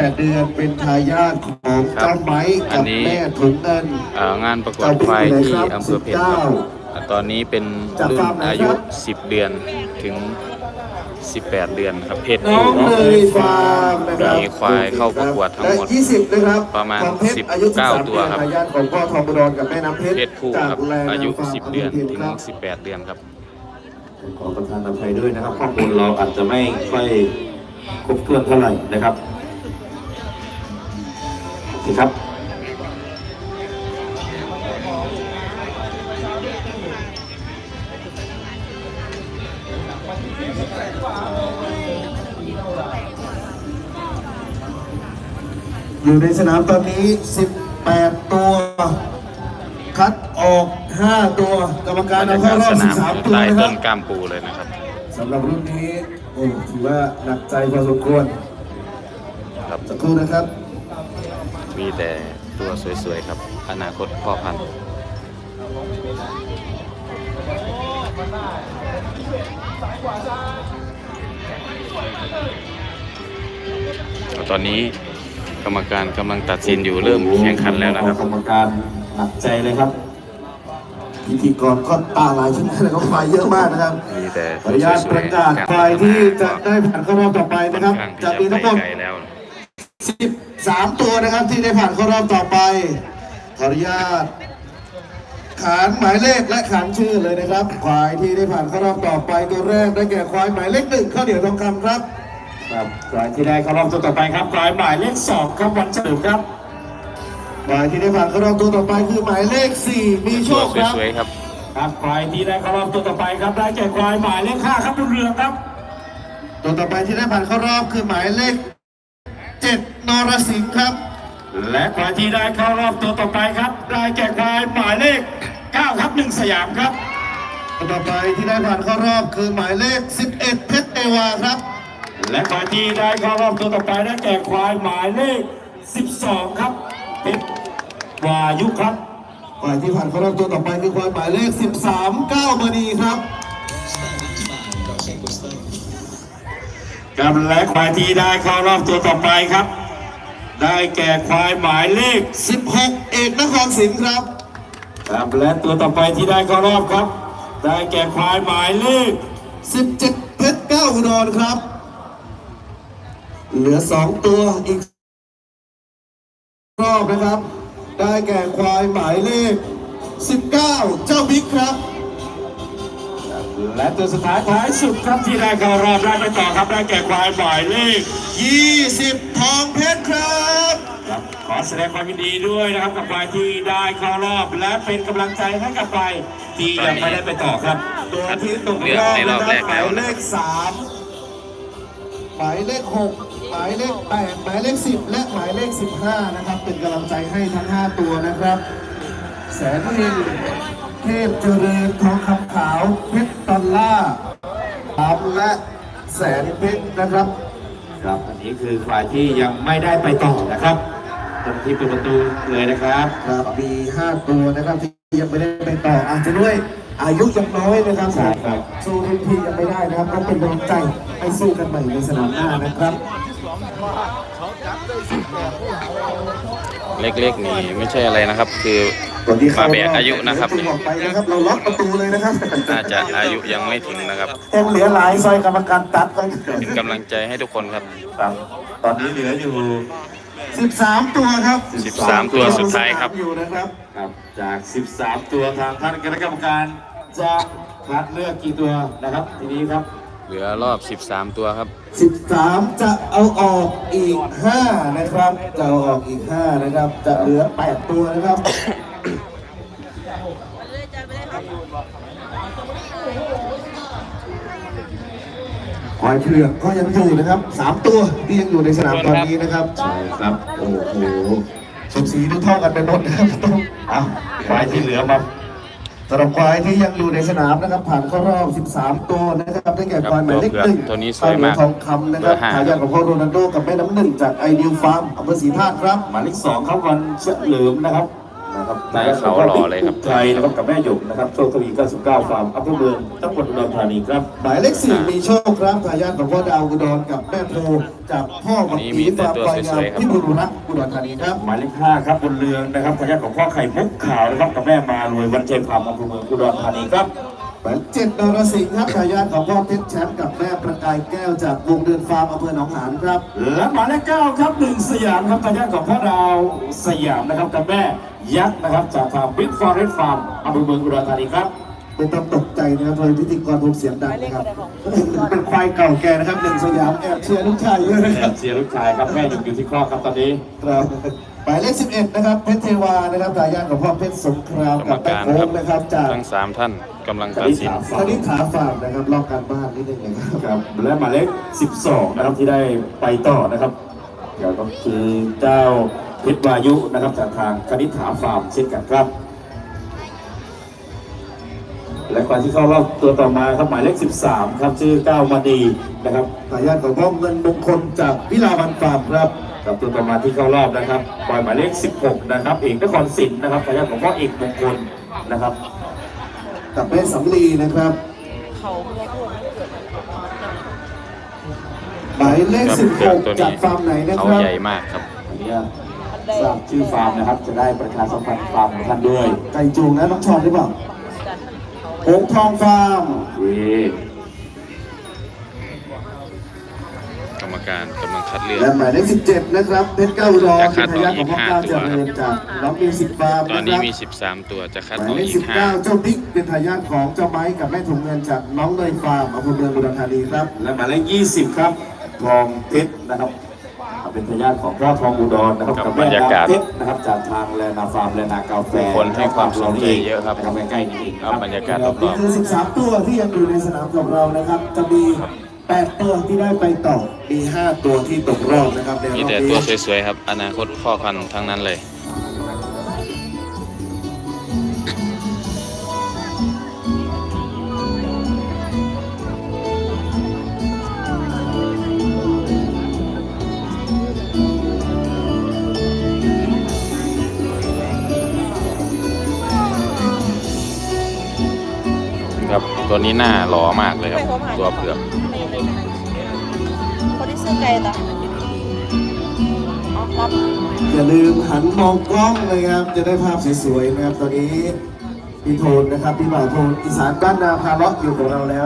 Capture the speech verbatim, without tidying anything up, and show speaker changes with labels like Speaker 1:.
Speaker 1: ดเดือนเป็นทายาทของเจ้าไม้กับแม่ถุงเงิน
Speaker 2: งานประกวดควายที่อำเภอเพชรครับตอนนี้เป็นรุ่นอายุสิบเดือนถึงสิบแปดเดือนครับเพศผู้มีควายเข้าประกวดทั้งหมดประมาณสิบเก้าตัวครับเพศผู้ครับอายุสิบเดือนถึงสิบแปดเดือนครับ
Speaker 1: ขอประทานอภัยด้วยนะครับข้อมูลเราอาจจะไม่ค่อยครบถ้วนเท่าไหร่นะครับโอเคครับอยู่ในสนามตอนนี้สิบแปดตัวคัดออกห้าตัวกรรมการเอาเข้ารอบสิบสามตัวนะครับ
Speaker 2: ต้นกล้ามปูเลยนะครับ
Speaker 1: สำหรับรุ่นนี้โอ้ถือว่าหนักใจพอสมควร
Speaker 2: ครับ
Speaker 1: สักครู่นะครับ
Speaker 2: มีแต่ตัวสวยๆครับอนาคตพ่อพันธุ์ตอนนี้กรรมการกำลังตัดสินอยู่เริ่มแข่งขันแล้วนะครับ
Speaker 1: กรรมการหนักใจเลยครับพิธีกรก็ตาลายชิ้นเลยก็ควายเยอะมากนะครับขออนุญาตประกาศควายที่จะได้ผ่านเข้ารอบต่อไปนะครับจะมีทั้งหมดสิบสามตัวนะครับที่ได้ผ่านเข้ารอบต่อไปขออนุญาตขานหมายเลขและขานชื่อเลยนะครับควายที่ได้ผ่านเข้ารอบต่อไปตัวแรกได้แก่ควายหมายเลขหนึ่งข้าวเหนียวทองคำครับครับควายที่ได้เข้ารอบตัวต่อไปครับควายหมายเลขสองครับวันเฉลิมครับควายที่ได้ผ่านเข้ารอบตัวต่อไปคือหมายเลขสี่มีโชคครับครับควายที่ได้เข้ารอบตัวต่อไปครับได้แก่ควายหมายเลขห้าครับบุญเรืองครับตัวต่อไปที่ได้ผ่านเข้ารอบคือหมายเลขเจ็ดนรสิงห์ครับและควายที่ได้เข้ารอบตัวต่อไปครับได้แก่ควายหมายเลขเก้าครับหนึ่งสยามครับตัวต่อไปที่ได้ผ่านเข้ารอบคือหมายเลขสิบเอ็ดเพชรเอวาครับและควายที่ได้เข้ารอบตัวต่อไปได้แก่ควายหมายเลขสิบสองครับเพชรวายุครับควายที่ผ่านเข้ารอบตัวต่อไปคือควายหมายเลขสิบสามเก้ามณีครับกับและควายที่ได้เข้ารอบตัวต่อไปครับได้แก่ควายหมายเลขสิบหกเอกนครศรีครับครับและตัวต่อไปที่ได้เข้ารอบครับได้แก่ควายหมายเลขสิบเจ็ดเพชรเก้าอุดรครับเหลือสองตัวอีกรอบนะครับได้แก่ควายหมายเลขสิบเก้าเจ้าบิ๊กครับและตัวสุดท้ายท้ายสุดครับที่ได้เข้ารอบได้ไปต่อครับได้แก่ควายหมายเลขยี่สิบทองเพชรครับขอแสดงความยินดีด้วยนะครับกับควายที่ได้เข้ารอบและเป็นกำลังใจให้กับควายที่ยังไม่ได้ไปต่อครับตัวที่ตกรอบนะครับหมายเลขสามหมายเลขหกหมายเลขแปดหมายเลขสิบและหมายเลขสิบห้านะครับเป็นกำลังใจให้ทั้งห้าตัวนะครับแสนเฮงเทพเจริญทองคำขาวเพชรดอลล่าตามและแสนเพชรนะครับครับอันนี้คือควายที่ยังไม่ได้ไปต่อนะครับตรงที่ประตูเลยนะครับครับมีห้าตัวนะครับที่ยังไม่ได้ไปต่ออาจจะด้วยอายุยังน้อยนะครับใช่ครับสู้รุ่นพี่ยังไม่ได้นะครับก็เป็นกำลังใจให้สู้กันใหม่ในสนามหน้านะครับ
Speaker 2: เล็กๆนี่ไม่ใช่อะไรนะครับคือมาแบกอายุนะครับ
Speaker 1: เราล็อกประตูเลยนะครับ
Speaker 2: น่าจะอายุยังไม่ถึงนะครับ
Speaker 1: ยังเหลือหลายซอยกรรมการตัดกัน
Speaker 2: เป็นกำลังใจให้ทุกคนครับ
Speaker 1: ตอนนี้เหลืออยู่สิบสามตัวครับ
Speaker 2: สิบสามตัวสุดท้ายครับ
Speaker 1: อยู่นะครับครับจากสิบสามตัวทางท่านคณะกรรมการจะคัดเลือกกี่ตัวนะครับทีนี้ครับ
Speaker 2: เหลือรอบสิบสามตัวครับ
Speaker 1: สิบสามจะเอาออกอีกห้านะครับจะเอาออกอีกห้านะครับจะเหลือแปดตัวนะครับควายเผือกก็ยังอยู่นะครับสามตัวที่ยังอยู่ในสนามตอนนี้นะครับใช่ครับโอ้โหสมศรีดูเท่ากันไปหมดนะครับต้องเอาควายที่เหลือมาสำหรับควายที่ยังอยู่ในสนามนะครับผ่านเข้ารอบสิบสามตัวนะครับได้แก่ควายหมายเลขหนึ่ง
Speaker 2: ตัวนี้สวยมาก
Speaker 1: ทองคำนะครับทายาทของพ่อโรนัลโดกับแม่น้ำหนึ่งจากไอเดียฟาร์มอำเภอศรีธาตุครับหมายเลขสองครับวันเฉลิมนะครับนะครับ
Speaker 2: หน้าเขาหล่อเลยครับ
Speaker 1: ไทยนะครับกับแม่หยกนะครับโชคทวีเก้าสิบเก้าฟาร์มอำเภอเมืองจังหวัดอุดรธานีครับหมายเลขสี่มีโชคครับทายาทของพ่อดาวอุดรกับแม่โพจากพ่อวัดศรีฟาร์มควายงามที่บุรีรัมย์อุดรธานีครับหมายเลขห้าครับบนเรืองนะครับทายาทของพ่อไข่มุกขาวนะครับกับแม่มารวยวันเจมฟาร์มอำเภอเมืองอุดรธานีครับหมายเจ็ดนรสิงห์ครับทายาทของพ่อเพชรแชมป์กับแม่ประกายแก้วจากวงเดือนฟาร์มอำเภอหนองหานครับและหมายเลขเก้าครับหนึ่งสยามครับทายาทของพ่อดาวสยามนะครับกับแม่ยักษ์นะครับจากฟาร์มบิ๊กฟอเรสต์ฟาร์มอำเภอเมืองอุดรธานีครับไม่ต้องตกใจนะครับโดยพิธีกรผมเสียงดังนะครับเป็นควายเก่าแก่นะครับหนึ่งสยามแอบเชียร์ลูกชายเยอะนะครับเชียร์ลูกชายครับแม่อยู่ที่ครอบครับตอนนี้ครับหมายเลขสิบเอ็ดนะครับเพชรเทวานะครับทายาทของพ่อเพชรสงคราม
Speaker 2: กรร
Speaker 1: กั
Speaker 2: ม
Speaker 1: บแม่
Speaker 2: การ
Speaker 1: โค้
Speaker 2: ครั
Speaker 1: ง
Speaker 2: บ
Speaker 1: นะครับจาก
Speaker 2: ทั้งสามท่านกำลังตัดสิน
Speaker 1: คณิษฐาฟาร์มนะครับรอบการบ้านนิดนึงนะครับครับและหมายเลขสิบสองนะครับที่ได้ไปต่อนะครับเดี๋ยวก็คือเจ้าเพชรวายุนะครับจากทางคณิษฐาฟาร์มเช่นกันครับและควายที่เข้ารอบตัวต่อมาครับหมายเลขสิบสามครับชื่อก้าวมณีนะครับทายาทของพ่อเงินมงคลจากวิลาวันฟาร์มครับกับตัวต่อมาที่เข้ารอบนะครับปล่อยหมายเลขสิบหกนะครับเอกนครศิลป์นะครับทายาทของพ่อเอกมงคลนะครับกับแม่สำลีนะครับ
Speaker 3: เขาเมื่อพูดมันเกิด
Speaker 1: หมายเลขสิบหก
Speaker 2: ตัวนี้
Speaker 1: จากฟาร์มไหนนะค
Speaker 2: เขา
Speaker 1: รับ
Speaker 2: ใหญ่มากครับ
Speaker 1: อันนี้ทราบชื่อฟาร์มนะครับจะได้ประชาสัมพันธ์ฟาร์มของท่านด้วยไก่จูงนะน้องชอนหรือเปล่า
Speaker 3: กันเขา
Speaker 1: หงทองฟาร์ม
Speaker 2: กรรมการกำลังคัดเลือก
Speaker 1: และหมายเลขสิบเจ็ดนะครับเพชรเก้าอุดร
Speaker 2: จะคัด
Speaker 1: เป็นทายาทของพ่อ
Speaker 2: ออก
Speaker 1: เก้า
Speaker 2: อีกห้า
Speaker 1: เจริญจากน้องมิวสิกฟาร์ม
Speaker 2: ตอน
Speaker 1: นะค
Speaker 2: นี้
Speaker 1: รับ
Speaker 2: มีสิบสามตัวจะคัด
Speaker 1: ห
Speaker 2: อ
Speaker 1: มา
Speaker 2: อย ก
Speaker 1: เลข
Speaker 2: อี
Speaker 1: สิ
Speaker 2: ก
Speaker 1: บ
Speaker 2: ห้า
Speaker 1: เก้าเจ้าบิ๊กเป็นทายาทของเจ้าไม้กับแม่ถุงเงินจากน้องเนยฟาร์มอำเภอเมืองอุดรธานีครับและหมายเลขยี่สิบครับทองเพชรนะครับเป็นทายาทของพ่อทองอุดรนะครับ
Speaker 2: กั
Speaker 1: กั
Speaker 2: บบ
Speaker 1: แม่
Speaker 2: บรรยากาศ
Speaker 1: เพชรนะครับจากทางแลนาฟาร์มแลนากาแฟ
Speaker 2: ผู้คนให้ความสนใจเยอะครับ
Speaker 1: นะครับใกล้ๆนี่เอง
Speaker 2: ครับบรรยากาศรอบๆ
Speaker 1: นี่คือสิบสามตัวที่ยังอยู่ในสนามของเรานะครับจะมีแปดตัวที่ได้ไปต่อมีห้าตัวที่ตกรอบนะครับในรอบ
Speaker 2: มี
Speaker 1: นี้
Speaker 2: แต่ตัวสวยๆครับ อนาคตพ่อพันธุ์ทั้งนั้นเลย ครับตัวนี้หน้าหล่อมากเลยครับ ตัวเผือก
Speaker 3: คนที่ซื้อไก่ต่ออ๋อรับ
Speaker 1: อย่าลืมหันมองกล้องเลยครับจะได้ภาพสวยๆนะครับตอนนี้พี่โทนนะครับพี่บ่าวโทนอีสานบ้านนาพาเลาะอยู่ของเราแล้ว